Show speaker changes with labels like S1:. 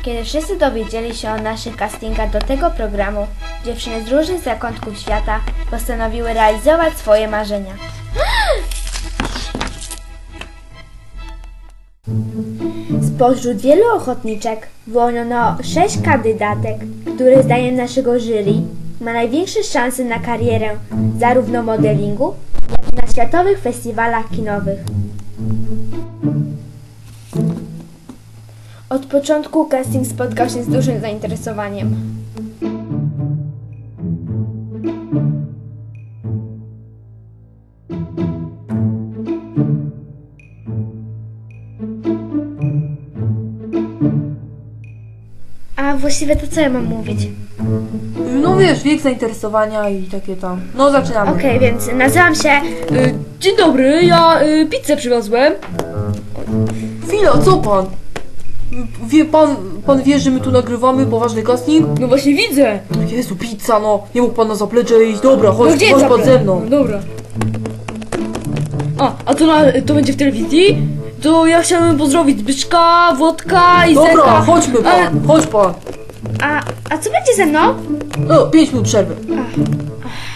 S1: Kiedy wszyscy dowiedzieli się o naszych castingach do tego programu, dziewczyny z różnych zakątków świata postanowiły realizować swoje marzenia. Spośród wielu ochotniczek wyłoniono 6 kandydatek, które zdaniem naszego jury ma największe szanse na karierę zarówno w modelingu, jak i na światowych festiwalach kinowych. Od początku casting spotkał się z dużym zainteresowaniem. A właściwie to co ja mam mówić?
S2: No wiesz, wiek zainteresowania i takie tam. No zaczynamy.
S1: Okej, więc nazywam się...
S3: Dzień dobry, ja pizzę przywiozłem.
S2: Chwila, co pan? Wie pan wie, że my tu nagrywamy poważny casting?
S3: No właśnie widzę.
S2: Jezu, pizza, no. Nie mógł pan na zaplecze iść. Dobra,
S3: No
S2: chodź,
S3: gdzie
S2: chodź
S3: jest
S2: pan
S3: zaplecze?
S2: ze mną.
S3: Dobra. A to będzie w telewizji? To ja chciałem pozdrowić Zbyszka, Włodka i
S2: Dobra,
S3: Zeka.
S2: chodźmy pan,
S3: Ale-
S2: chodź pan.
S1: A co będzie ze mną?
S2: No, 5 minut przerwy.